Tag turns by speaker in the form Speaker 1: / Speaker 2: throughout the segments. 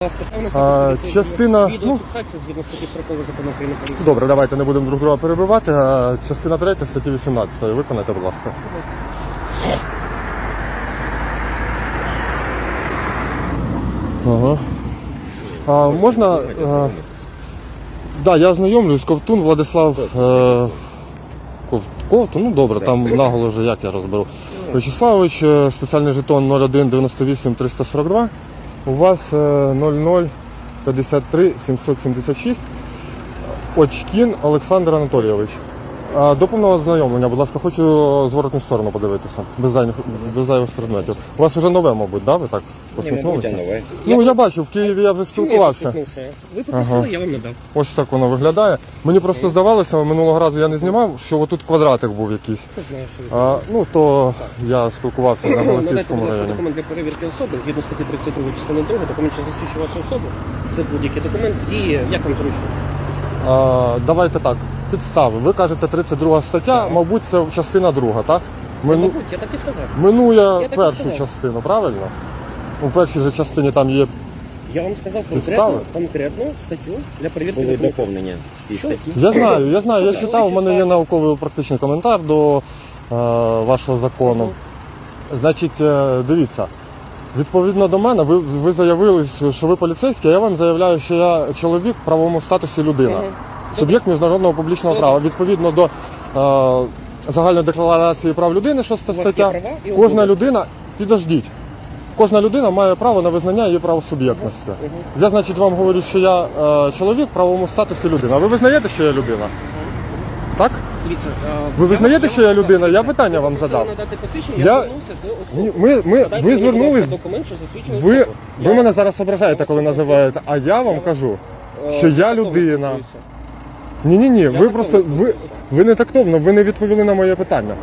Speaker 1: Частина...
Speaker 2: Відеофіксація згідно статті 40 закону України про поліцію.
Speaker 1: Добре, давайте не будемо друг друга перебивати. Частина 3 статті 18. Виконайте, будь ласка. Ага. Можна... Да, я ознайомлюсь. Ковтун Владислав... Ковтун, ну добре, там наголо вже як я розберу. Вячеславович, спеціальний жетон 01 98 342. У вас 00 53 776. Очкін Олександр Анатолійович. До повного ознайомлення, будь ласка, хочу зворотну сторону подивитися, без зайвих предметів. У вас вже нове, мабуть, да? Ви так посміхнулися? Ну, я бачу, в Києві я вже спілкувався.
Speaker 2: Ви попросили, я вам не дав.
Speaker 1: Ось так воно виглядає. Мені просто здавалося, минулого разу я не знімав, що отут квадратик був якийсь.
Speaker 2: Ти знаєш, що
Speaker 1: ну, то я спілкувався на Голосівському районі.
Speaker 2: Документ для перевірки особи, згідно статті 32 частини 2, документ, що засвідчує вашу особу. Це будь-який документ, діє, як вам зручно?
Speaker 1: Давайте так, підстави. Ви кажете 32 стаття, мабуть, це частина 2, так?
Speaker 2: Мабуть, я так і сказав.
Speaker 1: Минує першу частину, правильно? У першій же частині там є...
Speaker 2: Я вам сказав конкретну статтю для перевірки
Speaker 3: були
Speaker 2: документів.
Speaker 3: доповнення в цій статті.
Speaker 1: Я знаю, я читав, у мене є науковий практичний коментар до вашого закону. Значить, дивіться, відповідно до мене, ви заявили, що ви поліцейський, а я вам заявляю, що я чоловік в правовому статусі людина. Суб'єкт міжнародного публічного права. Відповідно до Загальної декларації прав людини, 6 стаття, кожна людина, підождіть, кожна людина має право на визнання її правосуб'єктності. Я, значить, вам говорю, що я чоловік в правовому статусі людина. А ви визнаєте, що я людина? Так? Ви визнаєте, що я людина? Я питання вам задав. Ви звернулись, ви мене зараз ображаєте, коли називаєте, а я вам кажу, що я людина. Ні, ви не тактовно, ви не відповіли на моє питання.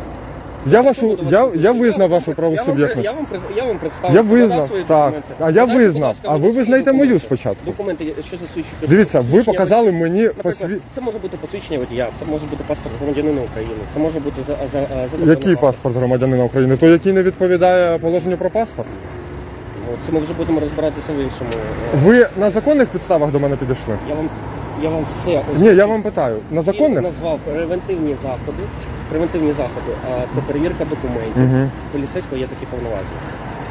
Speaker 1: Я визнав вашу правосуб'єктність.
Speaker 2: Я вам представив.
Speaker 1: Я визнав, так. А я визнав. А ви визнаєте мою спочатку.
Speaker 2: Документи, що засвідчують.
Speaker 1: Дивіться, ви показали мені
Speaker 2: Це може бути посвідчення водія, це може бути паспорт громадянина України, це може бути
Speaker 1: Який паспорт громадянина України? Той, який не відповідає положенню про паспорт?
Speaker 2: Це ми вже будемо розбиратися в іншому.
Speaker 1: Ви на законних підставах до мене підійшли?
Speaker 2: Я вам все озвучив.
Speaker 1: Ні, я вам питаю, на законних?
Speaker 2: Я назвав превентивні заходи, а це перевірка документів. Поліцейського є такі повноваження.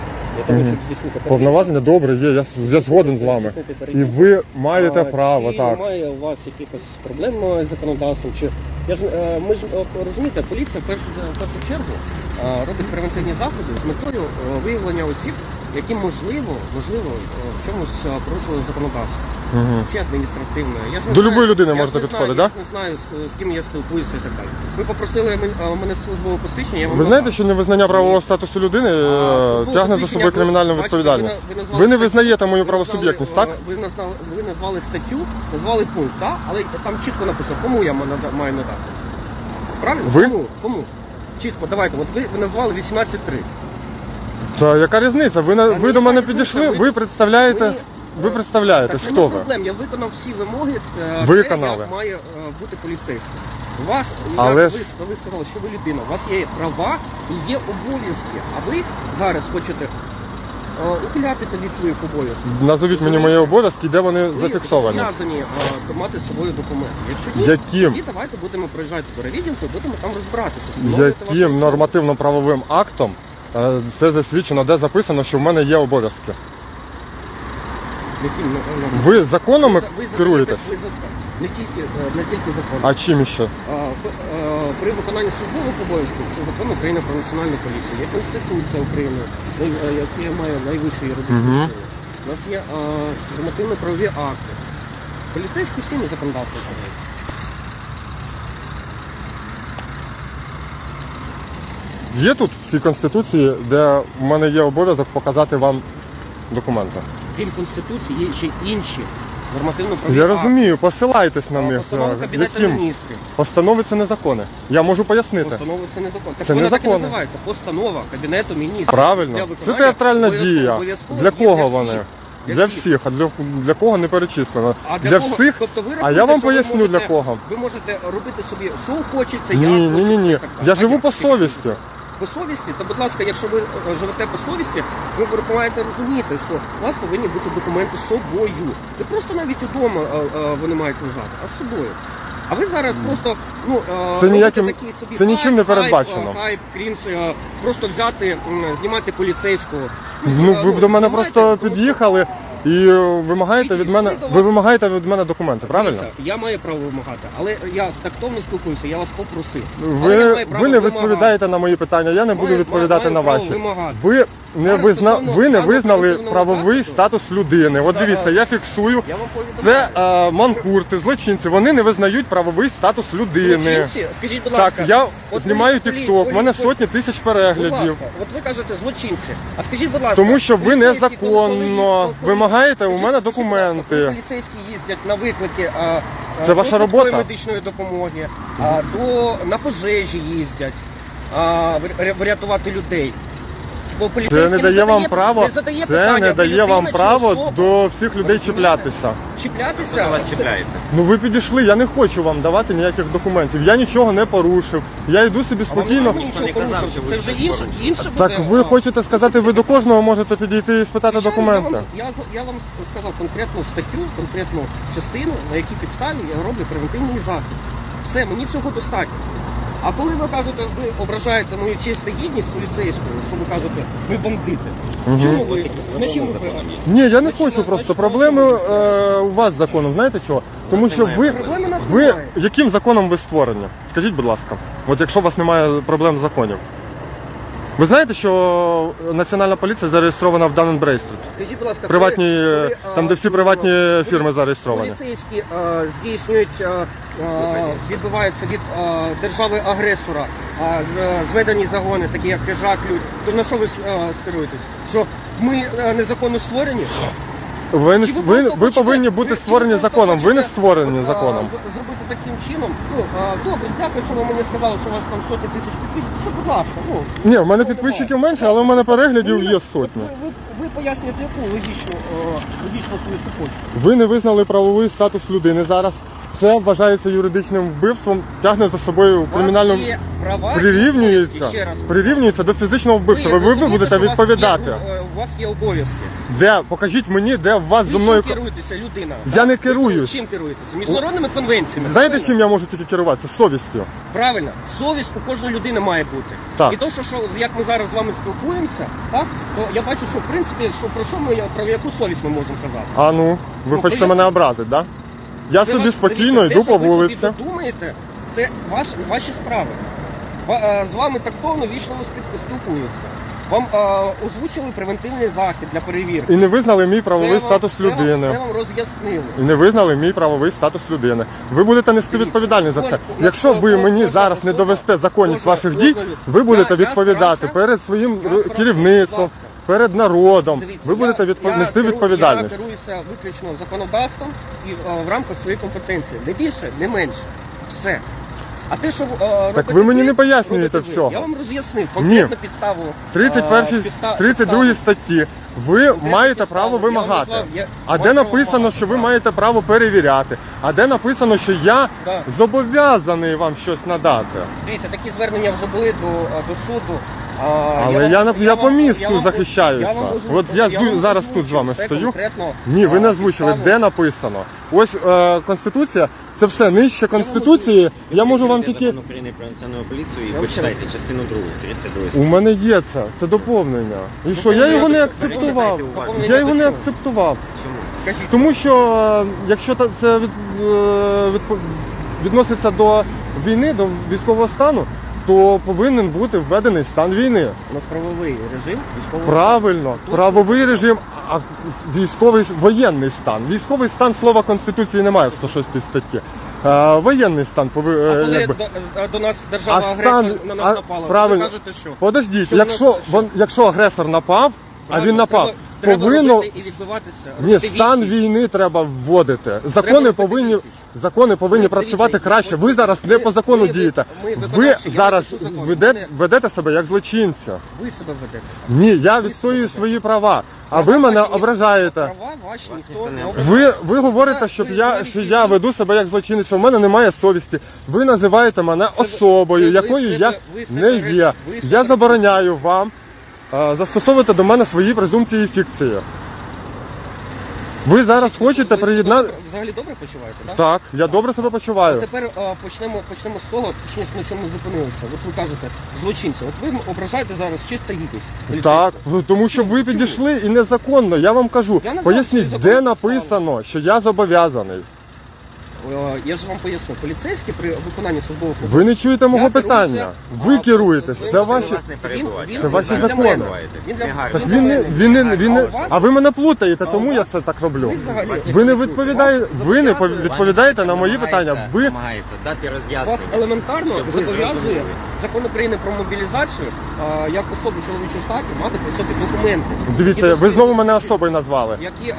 Speaker 1: Повноваження добре є, я згоден з вами. І ви маєте право, так.
Speaker 2: Чи немає у вас якихось проблем з законодавством? Ми ж розумієте, поліція в першу чергу робить превентивні заходи з метою виявлення осіб, які можливо в чомусь порушили законодавство. Чи адміністративне. До
Speaker 1: любої людини можете підходити, так?
Speaker 2: Я не знаю, з ким я спілкуюся і так далі. Ви попросили мене службове посвідчення, я вам
Speaker 1: Ви знаєте, що невизнання правового статусу людини тягне за собою кримінальну відповідальність? Ви не визнаєте мою правосуб'єктність, так?
Speaker 2: Ви назвали статтю, назвали пункт, так? Але там чітко написано, кому я маю надати. Правильно? Кому? Чітко, давайте. От ви назвали 18.3.
Speaker 1: Та яка різниця? Ви до мене підійшли, ви представляєтесь, хто ви?
Speaker 2: Проблем, я виконав всі вимоги, як має бути поліцейським. Ви сказали, що ви людина, у вас є права і є обов'язки, а ви зараз хочете ухилятися від своїх обов'язків.
Speaker 1: Назовіть мені мої обов'язки, де вони зафіксовані.
Speaker 2: Ви зобов'язані мати з собою документи.
Speaker 1: Яким?
Speaker 2: Тоді давайте будемо проїжджати перевідділку і будемо там розбиратися.
Speaker 1: Яким нормативно-правовим актом це засвідчено, де записано, що в мене є обов'язки? Ви законами керуєтесь?
Speaker 2: Не тільки законом.
Speaker 1: А чим ще?
Speaker 2: При виконанні службових обов'язків це закон України про національну поліцію. Є Конституція України, яка має найвищий юридичний силу. У нас є нормативно-правові акти. Поліцейські всі законодавства керуються.
Speaker 1: Є тут в цій Конституції, де в мене є обов'язок показати вам документи?
Speaker 2: Крім Конституції, є ще інші нормативно-правові акти.
Speaker 1: Я розумію, посилайтесь на них.
Speaker 2: Постанови Кабінету Міністрів.
Speaker 1: Постанови це не закони. Я можу пояснити.
Speaker 2: Постанови це не закон.
Speaker 1: Це не
Speaker 2: так і
Speaker 1: закони.
Speaker 2: називається. Постанова Кабінету Міністрів.
Speaker 1: Правильно. Це театральна дія. Для кого вони? Для всіх. А для кого не перечислено? Для всіх?
Speaker 2: Тобто
Speaker 1: а я вам поясню для кого.
Speaker 2: Ви можете робити собі, що хочеться.
Speaker 1: Ні. Я живу по совісті.
Speaker 2: по совісті, то, будь ласка, якщо ви живете по совісті, ви маєте розуміти, що у вас повинні бути документи з собою. Не просто навіть удома вони мають лежати, а з собою. А ви зараз просто
Speaker 1: Це ніяким-
Speaker 2: робите такий собі
Speaker 1: це нічим не
Speaker 2: хайп,
Speaker 1: передбачено.
Speaker 2: хайп, крінж, просто взяти, знімати поліцейського.
Speaker 1: Ну, ви до мене
Speaker 2: знімайте,
Speaker 1: просто
Speaker 2: тому що-
Speaker 1: під'їхали і вимагаєте від мене,
Speaker 2: Підійшли до
Speaker 1: ви
Speaker 2: вас.
Speaker 1: вимагаєте від мене документи, правильно?
Speaker 2: Дивіться, я маю право вимагати, але я тактовно спілкуюся, я вас попросив. Але я
Speaker 1: Ви,
Speaker 2: маю право
Speaker 1: ви не
Speaker 2: вимагати.
Speaker 1: відповідаєте на мої питання, я не буду
Speaker 2: Маю-
Speaker 1: відповідати
Speaker 2: маю
Speaker 1: на
Speaker 2: право
Speaker 1: ваші.
Speaker 2: вимагати.
Speaker 1: Ви не,
Speaker 2: Зараз стосовно
Speaker 1: ви не
Speaker 2: даного
Speaker 1: визнали
Speaker 2: оперативного
Speaker 1: правовий
Speaker 2: заходу.
Speaker 1: статус людини. От дивіться, я фіксую.
Speaker 2: Я вам повідомляю.
Speaker 1: Це манкурти, злочинці. Вони не визнають правовий статус людини.
Speaker 2: Злочинці? Скажіть, будь ласка.
Speaker 1: Так, я
Speaker 2: от
Speaker 1: знімаю
Speaker 2: полі-
Speaker 1: TikTok, в мене
Speaker 2: полі-
Speaker 1: сотні тисяч
Speaker 2: Будь
Speaker 1: переглядів.
Speaker 2: ласка, от ви кажете злочинці. А скажіть, будь ласка,
Speaker 1: Тому що ви
Speaker 2: поліцейські,
Speaker 1: незаконно
Speaker 2: коли-
Speaker 1: вимагаєте у
Speaker 2: скажіть,
Speaker 1: мене
Speaker 2: скажіть, будь ласка,
Speaker 1: документи.
Speaker 2: коли поліцейські їздять на виклики
Speaker 1: Це ваша
Speaker 2: до швидкої
Speaker 1: робота?
Speaker 2: медичної допомоги, на пожежі їздять, врятувати людей. Бо
Speaker 1: Це
Speaker 2: поліцейський
Speaker 1: не дає вам
Speaker 2: задає-
Speaker 1: право,
Speaker 2: не задає
Speaker 1: це
Speaker 2: питання,
Speaker 1: не
Speaker 2: ви
Speaker 1: дає вам
Speaker 2: людина чи
Speaker 1: право
Speaker 2: особа.
Speaker 1: до всіх людей чіплятися.
Speaker 2: Чіплятися?
Speaker 3: Хто вас
Speaker 2: Це-
Speaker 3: чіпляється?
Speaker 1: Ну ви підійшли, я не хочу вам давати ніяких документів. Я нічого не порушив. Я йду собі
Speaker 2: А вам
Speaker 1: спокійно.
Speaker 2: не нічого
Speaker 3: не казав,
Speaker 2: порушив.
Speaker 3: що ви
Speaker 2: Це вже
Speaker 3: щось
Speaker 2: інше
Speaker 3: порушили.
Speaker 2: буде.
Speaker 1: Так ви хочете сказати, ви до кожного можете підійти і спитати
Speaker 2: Звичайно,
Speaker 1: документи?
Speaker 2: Я вам сказав конкретну статтю, конкретну частину, на якій підставі я роблю превентивний захід. Все, мені цього достатньо. А коли ви кажете, ви ображаєте мою честь та гідність поліцейського, що ви кажете, ми бандити. Чому ви? На чим ви програмі?
Speaker 1: Ні, я не хочу просто. Проблеми у вас з законом. Знаєте чого? Тому що ви,
Speaker 2: Проблеми у нас
Speaker 1: ви
Speaker 2: немає.
Speaker 1: яким законом ви створені? Скажіть, будь ласка, от якщо у вас немає проблем з законів. Ви знаєте, що Національна поліція зареєстрована в Dun & Bradstreet?
Speaker 2: Скажіть, будь ласка,
Speaker 1: Приватні,
Speaker 2: коли,
Speaker 1: там, де всі приватні фірми зареєстровані.
Speaker 2: Поліцейські здійснюють, відбуваються від держави-агресора, зведені загони, такі як Хижак, Людь. То на що ви скеруєтесь? Що ми незаконно створені?
Speaker 1: Ви,
Speaker 2: Чи
Speaker 1: ви
Speaker 2: просто хочете-
Speaker 1: повинні бути
Speaker 2: чи
Speaker 1: створені
Speaker 2: просто
Speaker 1: законом. Ви не
Speaker 2: хочете,
Speaker 1: створені законом.
Speaker 2: Зробити таким чином. Добре, дякую, що ви мені сказали, що у вас там сотні тисяч підписчиків. Все, будь ласка.
Speaker 1: Ні, в мене підписчиків менше, але в мене переглядів є сотні.
Speaker 2: Ви пояснюєте, яку логічну свою цепочку.
Speaker 1: Ви не визнали правовий статус людини зараз. Це вважається юридичним вбивством, тягне за собою кримінальну...
Speaker 2: У вас є права і обов'язки, ще раз.
Speaker 1: Прирівнюється до фізичного вбивства. Ви
Speaker 2: розумієте,
Speaker 1: будете
Speaker 2: що у вас
Speaker 1: відповідати.
Speaker 2: у вас є обов'язки.
Speaker 1: Де? Покажіть мені, де в вас зі
Speaker 2: Ви
Speaker 1: мною...
Speaker 2: чим керуєтеся, людина?
Speaker 1: Я не
Speaker 2: Ви
Speaker 1: керуюсь.
Speaker 2: Чим керуєтеся? Міжнародними конвенціями.
Speaker 1: Знаєте,
Speaker 2: правильно?
Speaker 1: чим я можу тільки керуватися? Совістю.
Speaker 2: Правильно. Совість у кожної людини має бути.
Speaker 1: Так.
Speaker 2: І то, що як ми зараз з вами спілкуємося, так, то я бачу, що в принципі, про що ми, про яку совість ми можемо казати.
Speaker 1: А ну, ви
Speaker 2: Ну,
Speaker 1: хочете
Speaker 2: то я-
Speaker 1: мене образити, так? Да? Я
Speaker 2: Це
Speaker 1: собі
Speaker 2: ваш-
Speaker 1: спокійно
Speaker 2: дивіться,
Speaker 1: йду
Speaker 2: те,
Speaker 1: по
Speaker 2: що ви
Speaker 1: вулиці.
Speaker 2: собі думаєте, це ваші справи. З вами тактовно вічливо спілкуються. Вам озвучили превентивний захід для перевірки.
Speaker 1: І не визнали мій правовий
Speaker 2: Це вам-
Speaker 1: статус
Speaker 2: це вам-
Speaker 1: людини.
Speaker 2: Це вам роз'яснили.
Speaker 1: І не визнали мій правовий статус людини. Ви будете нести
Speaker 2: Дивіться,
Speaker 1: відповідальність за це.
Speaker 2: кожна-
Speaker 1: Якщо ви мені
Speaker 2: кожна
Speaker 1: зараз не
Speaker 2: особа-
Speaker 1: довести законність
Speaker 2: кожна-
Speaker 1: ваших дій,
Speaker 2: кожна-
Speaker 1: ви будете
Speaker 2: Я
Speaker 1: відповідати
Speaker 2: старався-
Speaker 1: перед своїм
Speaker 2: я старався,
Speaker 1: керівництвом,
Speaker 2: будь ласка.
Speaker 1: перед народом.
Speaker 2: Дивіться,
Speaker 1: Ви будете нести відповідальність.
Speaker 2: Я керуюся виключно законодавством і в рамках своєї компетенції. Не більше, не менше. Все. А те, що робите
Speaker 1: ви мені не пояснюєте
Speaker 2: робите ви.
Speaker 1: всього.
Speaker 2: Я вам роз'яснив конкретну підставу.
Speaker 1: 31 32 статті ви маєте
Speaker 2: підставу?
Speaker 1: право
Speaker 2: Я вам
Speaker 1: вимагати.
Speaker 2: назвав, я
Speaker 1: А
Speaker 2: маю
Speaker 1: де
Speaker 2: право
Speaker 1: написано,
Speaker 2: вимагати.
Speaker 1: що ви маєте право перевіряти? А де написано, що я
Speaker 2: Да.
Speaker 1: зобов'язаний вам щось надати?
Speaker 2: Дивіться, такі звернення вже були до суду.
Speaker 1: Але я по місту захищаюся. От я
Speaker 2: вам
Speaker 1: зараз тут з
Speaker 2: озвучив
Speaker 1: вами
Speaker 2: все
Speaker 1: стою.
Speaker 2: конкретно,
Speaker 1: Ні, ви не озвучили,
Speaker 2: підставу.
Speaker 1: де написано. Ось Конституція, це все нижче Конституції. Я можу вам тільки.
Speaker 3: Закон України про національну поліцію і
Speaker 2: вам
Speaker 3: почитайте частину 2, 32
Speaker 1: У мене є це доповнення. І що, я його не акцептував.
Speaker 3: Перечитайте уважно.
Speaker 1: Я його не
Speaker 2: Чому?
Speaker 1: акцептував.
Speaker 3: Чому?
Speaker 2: Скажіть,
Speaker 1: Тому що якщо це відноситься до війни, до військового стану, то повинен бути введений стан війни.
Speaker 2: у нас правовий режим військового.
Speaker 1: Правильно, правовий режим, а військовий воєнний стан. Військовий стан слова Конституції немає в 106 статті. Воєнний стан
Speaker 2: А коли
Speaker 1: якби.
Speaker 2: до нас держава
Speaker 1: А
Speaker 2: агресор
Speaker 1: стан-
Speaker 2: на нас
Speaker 1: а,
Speaker 2: напала,
Speaker 1: правильно.
Speaker 2: ви кажете, що?
Speaker 1: Подождіть,
Speaker 2: Що
Speaker 1: якщо агресор напав, а
Speaker 2: Правильно,
Speaker 1: він напав,
Speaker 2: треба
Speaker 1: повинно
Speaker 2: робити і відбиватися.
Speaker 1: ні,
Speaker 2: робити
Speaker 1: стан
Speaker 2: відсіч.
Speaker 1: війни треба вводити.
Speaker 2: Треба
Speaker 1: Закони
Speaker 2: робити
Speaker 1: повинні
Speaker 2: відсіч.
Speaker 1: закони повинні
Speaker 2: Дивіться,
Speaker 1: працювати краще. Ви зараз не по закону дієте. Ви
Speaker 2: виконавчі, я
Speaker 1: зараз
Speaker 2: напишу закон.
Speaker 1: ведете себе як злочинця.
Speaker 2: Ви себе ведете.
Speaker 1: Ні, я відстоюю свої права, а ви мене ображаєте.
Speaker 2: Права ваші
Speaker 3: Вас
Speaker 2: ніхто
Speaker 3: ніхто
Speaker 2: не
Speaker 3: не
Speaker 2: ображає.
Speaker 1: Ви говорите, що я веду себе як злочинець, що в мене немає совісті. Ви називаєте мене особою,
Speaker 2: ви
Speaker 1: якою я
Speaker 2: ви
Speaker 1: не є.
Speaker 2: ви
Speaker 1: Я забороняю вам застосовувати до мене свої презумпції і фікції. Ви зараз хочете приєднати.
Speaker 2: Взагалі добре почуваєте, так?
Speaker 1: Так, я добре себе почуваю.
Speaker 2: Тепер почнемо з того, точніше, на чому ми зупинилися. От ви кажете, злочинці. От ви ображаєте зараз чиста гідність.
Speaker 1: Так, тому що ви підійшли і незаконно, я вам кажу.
Speaker 2: Я не знаю,
Speaker 1: Поясніть,
Speaker 2: що ви
Speaker 1: де
Speaker 2: законно
Speaker 1: написано, що я зобов'язаний.
Speaker 2: Я ж вам поясню, поліцейські при виконанні службових
Speaker 1: Ви не чуєте мого
Speaker 2: Я
Speaker 1: питання.
Speaker 2: керуюся,
Speaker 1: Ви керуєтесь, це
Speaker 2: це
Speaker 1: ваші.
Speaker 3: Вас не перебувають.
Speaker 1: Це ваші
Speaker 2: він для
Speaker 1: закони.
Speaker 2: мене. Він для-
Speaker 1: Так
Speaker 2: він для мене.
Speaker 1: а ви мене плутаєте, тому
Speaker 2: у
Speaker 1: я
Speaker 2: вас-
Speaker 1: це так роблю.
Speaker 2: ви взагалі-
Speaker 1: Ви не відповідаєте, ви не
Speaker 2: зобов'язує-
Speaker 1: відповідаєте на мої питання. Ви
Speaker 3: намагається дати
Speaker 2: Вас
Speaker 3: роз'яснення.
Speaker 2: елементарно
Speaker 3: Щоб ви
Speaker 2: зобов'язує
Speaker 3: зрозуміли.
Speaker 2: закон України про мобілізацію як особу чоловічої статі мати при собі документи.
Speaker 1: дивіться,
Speaker 2: які
Speaker 1: ви знову мене особою назвали.
Speaker 2: Які,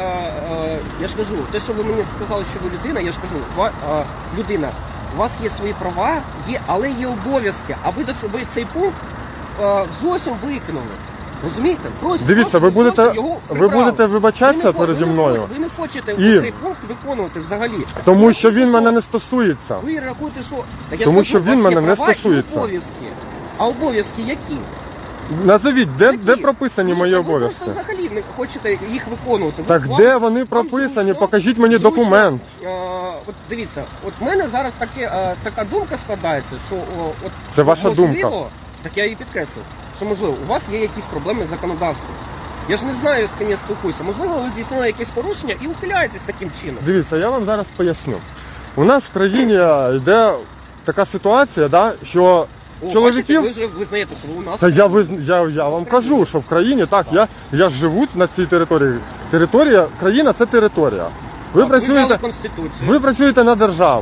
Speaker 2: я ж кажу, те, що ви мені сказали, що ви людина, я ж кажу, людина, у вас є свої права, але є обов'язки, а ви цей пункт зовсім викинули. Розумієте?
Speaker 1: Дивіться, ви
Speaker 2: зовсім
Speaker 1: будете
Speaker 2: його
Speaker 1: ви
Speaker 2: прибрали.
Speaker 1: будете вибачатися
Speaker 2: Ви не
Speaker 1: переді
Speaker 2: хо-
Speaker 1: мною,
Speaker 2: Ви не хочете
Speaker 1: І-
Speaker 2: цей пункт виконувати взагалі.
Speaker 1: тому
Speaker 2: Ви
Speaker 1: що
Speaker 2: рахуєте,
Speaker 1: він мене не стосується.
Speaker 2: Ви рахуєте, що... Так я
Speaker 1: Тому
Speaker 2: ж
Speaker 1: що
Speaker 2: кажу,
Speaker 1: він
Speaker 2: у вас є
Speaker 1: мене не
Speaker 2: права і
Speaker 1: стосується.
Speaker 2: обов'язки. А обов'язки які?
Speaker 1: Назовіть, де
Speaker 2: Які?
Speaker 1: прописані
Speaker 2: Ну,
Speaker 1: мої
Speaker 2: та
Speaker 1: обов'язки?
Speaker 2: Ви просто взагалі не хочете їх виконувати.
Speaker 1: Так
Speaker 2: Вам-
Speaker 1: де вони
Speaker 2: вам
Speaker 1: прописані?
Speaker 2: зручно-
Speaker 1: Покажіть мені
Speaker 2: зручно,
Speaker 1: документ.
Speaker 2: От дивіться, от в мене зараз така думка складається, що от
Speaker 1: Це ваша
Speaker 2: можливо,
Speaker 1: думка.
Speaker 2: Так я її підкреслив, що можливо у вас є якісь проблеми з законодавством. Я ж не знаю, з ким я спілкуюся. Можливо, ви здійснили якесь порушення і ухиляєтесь таким чином.
Speaker 1: Дивіться, я вам зараз поясню. У нас в країні йде така ситуація, да, що
Speaker 2: О,
Speaker 1: чоловіків.
Speaker 2: бачите, ви вже визнаєте, що ви у нас.
Speaker 1: Та я вам кажу, що в країні так, я ж живу на цій території. Країна це територія. Ви
Speaker 2: Так, ви взяли
Speaker 1: працюєте,
Speaker 2: Конституцію.
Speaker 1: ви працюєте на державу.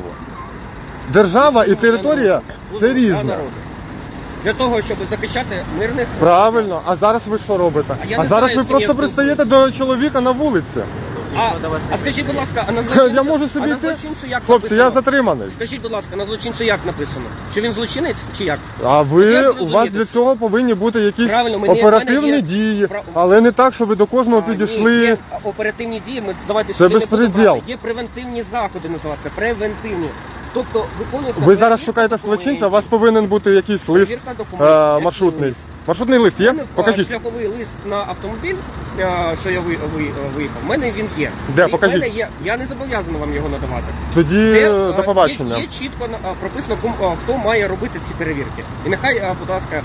Speaker 1: Держава і територія це різне.
Speaker 2: Для того, щоб захищати мирних
Speaker 1: Правильно, а зараз ви що робите?
Speaker 2: А я
Speaker 1: А
Speaker 2: не
Speaker 1: зараз
Speaker 2: знаю,
Speaker 1: ви
Speaker 2: з ким я
Speaker 1: просто пристаєте до чоловіка на вулиці.
Speaker 3: Ніхто до вас не
Speaker 2: А скажіть, будь ласка, а на
Speaker 1: Я
Speaker 2: злочинцю,
Speaker 1: можу собі
Speaker 2: а на
Speaker 1: йти?
Speaker 2: злочинцю як
Speaker 1: Хлопці, я
Speaker 2: написано?
Speaker 1: затриманий.
Speaker 2: Скажіть, будь ласка, на злочинцю як написано? Що він злочинець чи як?
Speaker 1: А
Speaker 2: От
Speaker 1: ви
Speaker 2: як
Speaker 1: у
Speaker 2: зрозуміти
Speaker 1: вас для
Speaker 2: це?
Speaker 1: цього повинні бути якісь
Speaker 2: Правильно, мене
Speaker 1: оперативні
Speaker 2: є-
Speaker 1: дії,
Speaker 2: Прав-
Speaker 1: але не так, що ви до кожного
Speaker 2: Ні,
Speaker 1: підійшли.
Speaker 2: є оперативні дії, ми давайте
Speaker 1: Це
Speaker 2: сюди не будемо
Speaker 1: безпреділ.
Speaker 2: брати. Є превентивні заходи, називаються превентивні. Тобто виконується.
Speaker 1: Ви зараз
Speaker 2: перевірка
Speaker 1: шукаєте
Speaker 2: документів.
Speaker 1: злочинця, у вас повинен бути якийсь лист
Speaker 2: Перевірка документів.
Speaker 1: маршрутний.
Speaker 2: Який лист?
Speaker 1: Маршрутний лист
Speaker 2: У
Speaker 1: є?
Speaker 2: мене
Speaker 1: Покажіть.
Speaker 2: шляховий лист на автомобіль, що я виїхав. У мене він є.
Speaker 1: Де?
Speaker 2: І в
Speaker 1: Покажіть.
Speaker 2: мене є. Я не зобов'язаний вам його надавати.
Speaker 1: Тоді до побачення.
Speaker 2: Є чітко прописано, хто має робити ці перевірки. І нехай, будь ласка,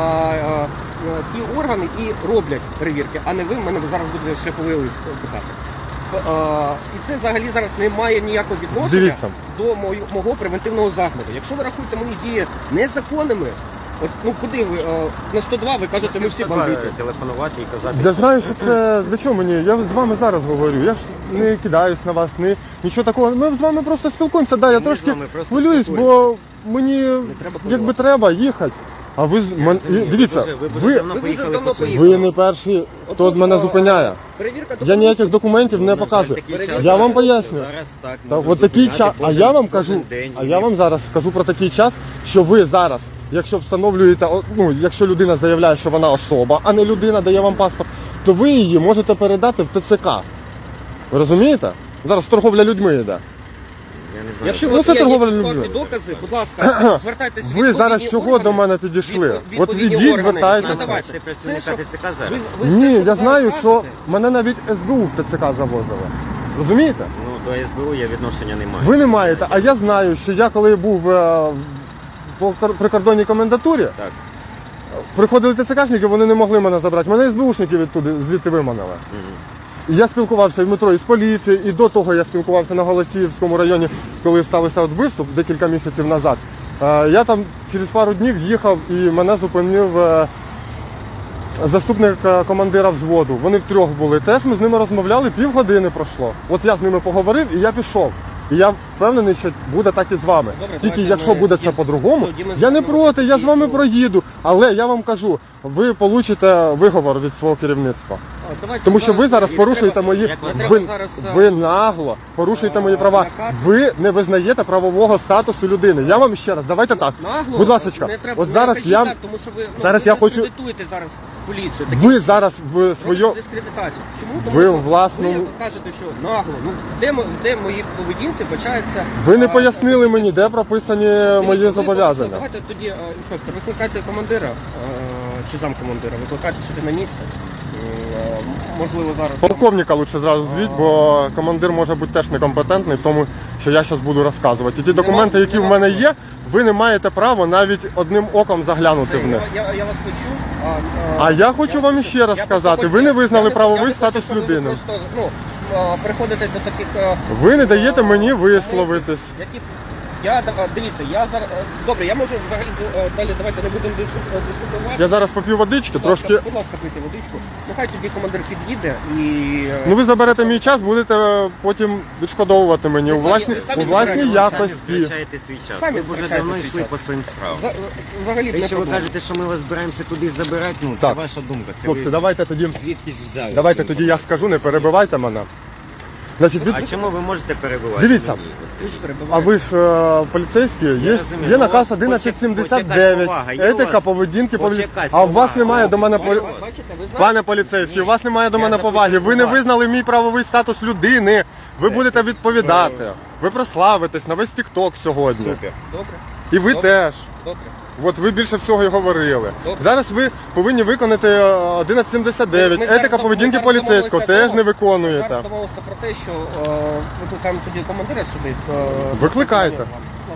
Speaker 2: ті органи і роблять перевірки, а не ви в мене зараз буде шляховий лист питати. І це взагалі зараз не має ніякого відношення
Speaker 1: Дивіться.
Speaker 2: до мого превентивного заходу. Якщо ви рахуєте мої дії незаконними, от, ну куди ви на 102 ви кажете, ми всі бандити.
Speaker 3: телефонувати і казати.
Speaker 1: Я знаю, що це для чого мені. Я з вами зараз говорю. Я ж не кидаюсь на вас, нічого такого. Ми з вами просто спілкуємося. Да, я
Speaker 3: Ми з
Speaker 1: трошки
Speaker 3: вами просто
Speaker 1: хвилююсь, бо
Speaker 3: спілкуємося.
Speaker 1: мені
Speaker 2: треба
Speaker 1: якби треба їхати. А ви дивіться,
Speaker 3: ви давно
Speaker 2: ви
Speaker 3: поїхали
Speaker 2: давно
Speaker 3: по своїй.
Speaker 1: ви не перші, хто мене зупиняє.
Speaker 2: Перевірка
Speaker 1: Я
Speaker 2: документів.
Speaker 1: ніяких документів не показую. Я вам поясню.
Speaker 3: Зараз так.
Speaker 1: Так,
Speaker 3: можуть
Speaker 1: от такий
Speaker 3: зупиняти
Speaker 1: час, а
Speaker 3: кожен-
Speaker 1: я вам
Speaker 3: кожен
Speaker 1: кажу,
Speaker 3: день.
Speaker 1: а я вам зараз кажу про такий час, що ви зараз, якщо встановлюєте, ну, якщо людина заявляє, що вона особа, а не людина дає вам паспорт, то ви її можете передати в ТЦК. Ви розумієте? Зараз торговля людьми йде.
Speaker 3: Я не знаю.
Speaker 2: Якщо у
Speaker 1: Ну,
Speaker 2: вас
Speaker 1: це
Speaker 2: є
Speaker 1: торговля
Speaker 2: якісь
Speaker 1: людьми.
Speaker 2: факти, докази, будь ласка, звертайтеся. в
Speaker 1: Ви зараз
Speaker 2: відповідні
Speaker 1: чого
Speaker 2: органи.
Speaker 1: до мене підійшли? От
Speaker 2: Відповідні
Speaker 1: ідіть,
Speaker 2: органи.
Speaker 1: звертайтеся.
Speaker 2: Надавайте.
Speaker 3: Ти працівника
Speaker 2: Все, що-
Speaker 3: ТЦК зараз?
Speaker 2: ви все,
Speaker 1: Ні,
Speaker 2: що
Speaker 1: я
Speaker 2: зараз
Speaker 1: знаю, що
Speaker 2: кажете,
Speaker 1: мене навіть СБУ в ТЦК завозили. Розумієте?
Speaker 3: Ну, до СБУ я відношення не маю.
Speaker 1: Ви не маєте, а я знаю, що я коли був по прикордонній комендатурі,
Speaker 3: Так.
Speaker 1: приходили ТЦКшники, вони не могли мене забрати. Мене СБУшники звідти виманили. І я спілкувався в метро із поліцією, і до того я спілкувався на Голосіївському районі, коли сталося от вбивство декілька місяців назад. Я там через пару днів їхав і мене зупинив заступник командира взводу. Вони втрьох були. Теж ми з ними розмовляли, півгодини пройшло. От я з ними поговорив і я пішов. І я впевнений, що буде так і з вами.
Speaker 2: Добре,
Speaker 1: Тільки
Speaker 2: давайте
Speaker 1: якщо
Speaker 2: ми
Speaker 1: буде це
Speaker 2: тоді-
Speaker 1: по-другому,
Speaker 2: тоді ми
Speaker 1: я не
Speaker 2: зробимо
Speaker 1: проти, я з вами
Speaker 2: таку-
Speaker 1: проїду. Але я вам кажу, ви получите виговор від свого керівництва.
Speaker 2: Давайте
Speaker 1: Тому що ви зараз
Speaker 2: і
Speaker 1: порушуєте
Speaker 2: треба-
Speaker 1: мої,
Speaker 3: як вас
Speaker 2: треба
Speaker 1: ви,
Speaker 2: зараз,
Speaker 1: ви нагло порушуєте мої права.
Speaker 2: лякати.
Speaker 1: Ви не визнаєте правового статусу людини. Я вам ще раз, давайте так.
Speaker 2: Нагло,
Speaker 1: Будь ласка,
Speaker 2: не треба,
Speaker 1: от
Speaker 2: не
Speaker 1: зараз
Speaker 2: кажіть
Speaker 1: я,
Speaker 2: так, тому що ви,
Speaker 1: зараз
Speaker 2: ви
Speaker 1: я хочу-
Speaker 2: дискредитуєте зараз поліцію.
Speaker 1: ви зараз в своє,
Speaker 2: Дискредитацію. Чому? Тому
Speaker 1: ви
Speaker 2: що
Speaker 1: власному-
Speaker 2: ви кажете, що нагло. Ну, де мої поведінці почається...
Speaker 1: ви не пояснили мені, де прописані мої
Speaker 2: Дивіться, ви
Speaker 1: зобов'язання.
Speaker 2: Давайте тоді, інспектор, викликайте командира чи замкомандира, викликайте сюди на місце. Можливо, зараз...
Speaker 1: Полковника лучше зразу звіть, бо командир може бути теж некомпетентний в тому, що я зараз буду розказувати. І ті документи, які в мене є, ви не маєте права навіть одним оком заглянути в них.
Speaker 2: Я вас почув.
Speaker 1: А я хочу вам іще раз сказати, ви не визнали правовий статус людини.
Speaker 2: Приходите до таких...
Speaker 1: Ви не даєте мені висловитись.
Speaker 2: Дивіться, я зараз... Добре, я можу взагалі далі, давайте не будемо дискутувати.
Speaker 1: Я зараз поп'ю водички,
Speaker 2: Будь ласка,
Speaker 1: трошки.
Speaker 2: Будь ласка, пийте водичку. Нехай тоді командир під'їде і...
Speaker 1: Ну ви заберете мій час, будете потім відшкодовувати мені у власній
Speaker 2: самі
Speaker 1: у власній
Speaker 2: забираєте.
Speaker 3: Самі
Speaker 1: якості.
Speaker 3: втрачаєте свій час.
Speaker 2: Самі
Speaker 3: Ви б вже
Speaker 2: втрачаєте
Speaker 3: давно
Speaker 2: свій
Speaker 3: йшли
Speaker 2: час.
Speaker 3: по своїм справам.
Speaker 2: Взагалі не
Speaker 3: Якщо ви
Speaker 2: проблема.
Speaker 3: кажете, що ми вас збираємося кудись забирати, ну це
Speaker 1: Так.
Speaker 3: ваша думка. Це
Speaker 1: Хлопці,
Speaker 3: ви
Speaker 1: давайте тоді.
Speaker 3: звідкись взяли.
Speaker 1: Давайте
Speaker 3: цю
Speaker 1: тоді я скажу, не перебивайте мене. Значить,
Speaker 3: А чому ви можете перебувати?
Speaker 1: Дивіться.
Speaker 3: Мені, от скажіть.
Speaker 1: а ви ж поліцейські, є
Speaker 3: розумію,
Speaker 1: є
Speaker 3: ну,
Speaker 1: наказ
Speaker 3: у вас хоч якась
Speaker 1: 1179,
Speaker 3: повага є у
Speaker 1: етика
Speaker 3: вас?
Speaker 1: поведінки
Speaker 3: Хоч
Speaker 1: поліцейських.
Speaker 3: якась
Speaker 1: А у вас
Speaker 3: повага?
Speaker 1: немає до мене
Speaker 3: Бачите,
Speaker 2: Бачите, ви знаєте,
Speaker 1: Пане поліцейський, у вас немає до
Speaker 3: Я
Speaker 1: мене поваги. Ви не
Speaker 3: запитую вас.
Speaker 1: визнали мій правовий статус людини. Ви будете відповідати. Ви прославитесь на весь тікток сьогодні.
Speaker 3: Супер.
Speaker 2: добре,
Speaker 1: І ви
Speaker 2: Добре.
Speaker 1: теж.
Speaker 2: добре.
Speaker 1: От ви більше всього і говорили.
Speaker 2: Добре.
Speaker 1: Зараз ви повинні виконати 1179.
Speaker 2: Ми зараз
Speaker 1: Етика поведінки
Speaker 2: ми зараз
Speaker 1: поліцейського
Speaker 2: домовилися
Speaker 1: теж не
Speaker 2: Зараз
Speaker 1: виконуєте.
Speaker 2: домовилися про те, що викликаємо тоді командира сюди.
Speaker 1: Викликайте.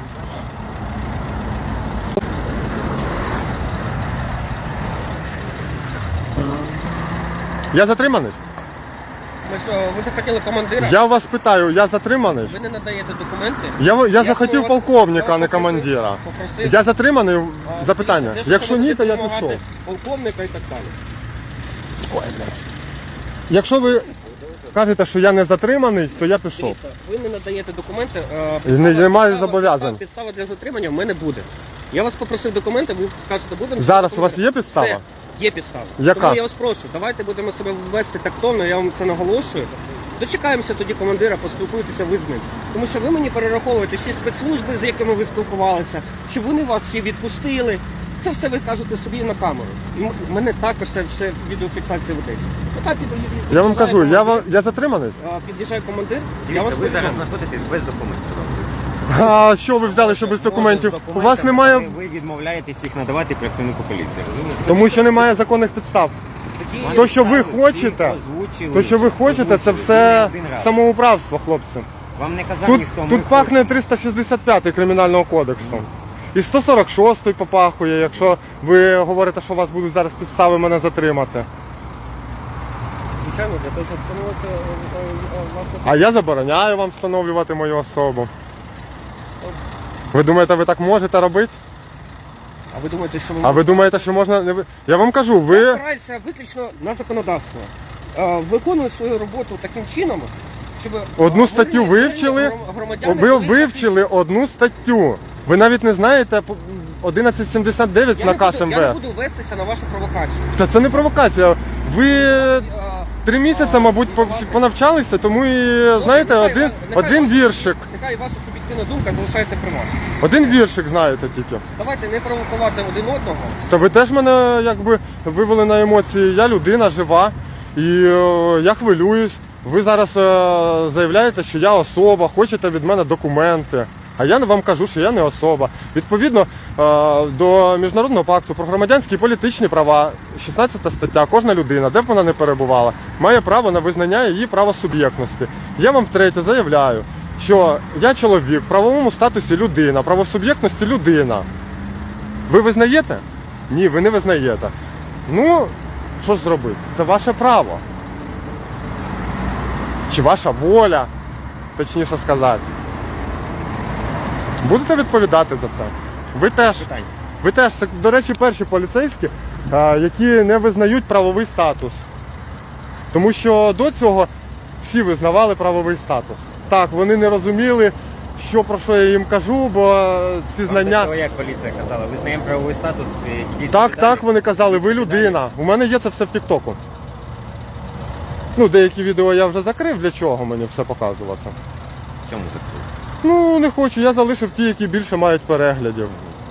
Speaker 1: Я затриманий?
Speaker 2: Ви захотіли командира,
Speaker 1: Я вас питаю, я затриманий?
Speaker 2: ви не надаєте документи.
Speaker 1: Я
Speaker 2: ми
Speaker 1: захотів
Speaker 2: вас-
Speaker 1: полковника, а не
Speaker 2: попросив-
Speaker 1: командира.
Speaker 2: попросив-
Speaker 1: Я затриманий? Запитання.
Speaker 2: Те, що
Speaker 1: Якщо
Speaker 2: ви
Speaker 1: ні,
Speaker 2: будете
Speaker 1: то я
Speaker 2: допомагати
Speaker 1: пішов.
Speaker 2: Полковника і так далі.
Speaker 1: Якщо ви кажете, що я не затриманий, то я пішов.
Speaker 2: Дивіться, ви не надаєте документи.
Speaker 1: немає зобов'язань.
Speaker 2: Підстава для затримання в мене буде. Я вас попросив документи, ви скажете, будемо.
Speaker 1: Зараз у вас
Speaker 2: документи.
Speaker 1: є підстава?
Speaker 2: Все, є підстава.
Speaker 1: Яка?
Speaker 2: Тому я вас прошу, давайте будемо себе вести тактовно, я вам це наголошую. Дочекаємося тоді командира, поспілкуйтеся ви з ним. Тому що ви мені перераховуєте всі спецслужби, з якими ви спілкувалися, що вони вас всі відпустили. Це все ви кажете собі на камеру. І в мене також це все відеофіксація ведеться.
Speaker 1: Я вам кажу, я затриманий?
Speaker 2: Під'їжджає командир, я
Speaker 3: Дивіться,
Speaker 2: вас
Speaker 3: ви зараз
Speaker 2: повідомлю.
Speaker 3: знаходитесь без документів.
Speaker 1: А що ви взяли, що без документів? У вас немає,
Speaker 3: Ви відмовляєтесь їх надавати працівнику поліції, розумієте?
Speaker 1: тому що немає законних підстав.
Speaker 2: Тоді-
Speaker 1: То, що ви
Speaker 3: Всі
Speaker 1: хочете,
Speaker 3: озвучили,
Speaker 1: то, що ви хочете, це
Speaker 3: озвучили
Speaker 1: все
Speaker 3: не один раз.
Speaker 1: самоуправство, хлопці.
Speaker 3: Вам не казав
Speaker 1: Тут,
Speaker 3: ніхто. ми
Speaker 1: тут пахне 365 Кримінального кодексу. І 146 попахує, якщо ви говорите, що у вас будуть зараз підстави мене затримати.
Speaker 2: Звичайно, для того, щоб встановити вашу...
Speaker 1: А я забороняю вам встановлювати мою особу. Ви думаєте, ви так можете робити?
Speaker 2: А ви думаєте, що ви...
Speaker 1: А ви думаєте, що можна... не ви- Я вам кажу,
Speaker 2: Я
Speaker 1: ви...
Speaker 2: спираюся виключно на законодавство. Виконую свою роботу таким чином, щоб...
Speaker 1: Одну статтю вивчили, ви вивчили одну статтю. Ви навіть не знаєте 1179 наказ
Speaker 2: Я не
Speaker 1: МВС.
Speaker 2: буду вестися на вашу провокацію.
Speaker 1: Та це не провокація. Ви 3 місяці, мабуть, понавчалися, тому і, знаєте, один віршик.
Speaker 2: Нехай ваша суб'єктивна думка залишається при вас.
Speaker 1: Один віршик знаєте тільки.
Speaker 2: Давайте не провокувати один одного.
Speaker 1: Та ви теж мене якби вивели на емоції. Я людина жива і я хвилююсь. Ви зараз заявляєте, що я особа, хочете від мене документи. А я вам кажу, що я не особа. Відповідно до Міжнародного пакту про громадянські і політичні права, 16 стаття, кожна людина, де б вона не перебувала, має право на визнання її правосуб'єктності. Я вам втретє заявляю, що я чоловік, в правовому статусі людина, правосуб'єктності людина. Ви визнаєте? Ні, ви не визнаєте. Ну, що ж зробити? Це ваше право. Чи ваша воля, точніше сказати. Будете відповідати за це? Ви теж.
Speaker 3: Питань.
Speaker 1: Ви теж, це, до речі, перші поліцейські, які не визнають правовий статус. Тому що до цього всі визнавали правовий статус. Так, вони не розуміли, про що я їм кажу, бо ці
Speaker 3: Вам
Speaker 1: знання...
Speaker 3: до цього як поліція казала? Визнаємо правовий статус.
Speaker 1: Так, вони казали, ви людина. У мене є це все в Тіктоку. Ну, деякі відео я вже закрив, для чого мені все показувати.
Speaker 3: В чому закрив?
Speaker 1: Ну, не хочу, я залишив ті, які більше мають переглядів.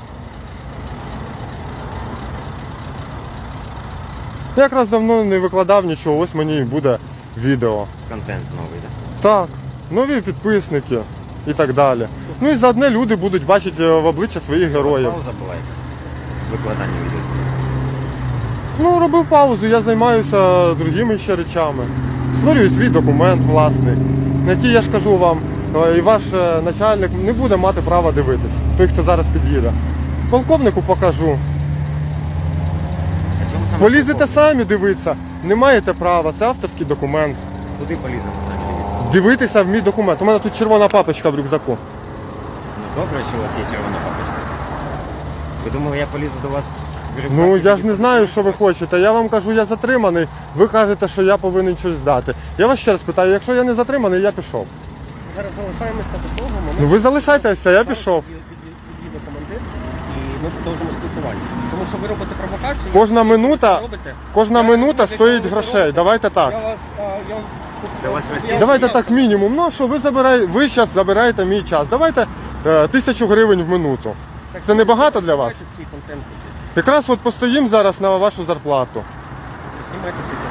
Speaker 1: Я якраз давно не викладав нічого, ось мені і буде відео.
Speaker 3: Контент новий, так?
Speaker 1: Так, нові підписники і так далі. Ну і заодне люди будуть бачити в обличчя своїх героїв.
Speaker 3: Пауза була якась з викладанням відео.
Speaker 1: Ну, робив паузу, я займаюся другими ще речами. Створюю свій документ власний, на який, я ж кажу вам, і ваш начальник не буде мати права дивитись, той, хто зараз під'їде. Полковнику покажу.
Speaker 3: А чому саме
Speaker 1: Полізете
Speaker 3: полковник?
Speaker 1: самі дивитися, не маєте права, це авторський документ.
Speaker 3: Куди поліземо самі дивіться?
Speaker 1: Дивитися в мій документ. У мене тут червона папочка в рюкзаку.
Speaker 3: Ну добре, що у вас є червона папочка. Ви думали, я полізу до вас в рюкзак?
Speaker 1: Ну,
Speaker 3: і
Speaker 1: я ж
Speaker 3: тоді
Speaker 1: не знаю, що ви хочете. Я вам кажу, я затриманий, ви кажете, що я повинен щось здати. Я вас ще раз питаю, якщо я не затриманий, я пішов.
Speaker 2: Зараз залишаємося до того моменту.
Speaker 1: Ну ви залишайтеся, я пішов.
Speaker 2: Під'їде командир, і ми продовжимо спілкування. Тому що ви робите провокацію.
Speaker 1: Кожна
Speaker 2: ви
Speaker 1: минута,
Speaker 2: робите.
Speaker 1: кожна
Speaker 2: Я
Speaker 1: минута
Speaker 2: розумію,
Speaker 1: стоїть
Speaker 2: що ви
Speaker 1: грошей.
Speaker 2: робите.
Speaker 1: Давайте так.
Speaker 2: Я вас, я...
Speaker 3: Це вас розцінює?
Speaker 1: Давайте так мінімум. Ну що, ви зараз забираєте мій час. Давайте 1000 гривень в минуту.
Speaker 2: Так,
Speaker 1: Це небагато для вас?
Speaker 2: знімайте свій контент.
Speaker 1: Якраз от постоїм зараз на вашу зарплату.
Speaker 2: Знімайте свій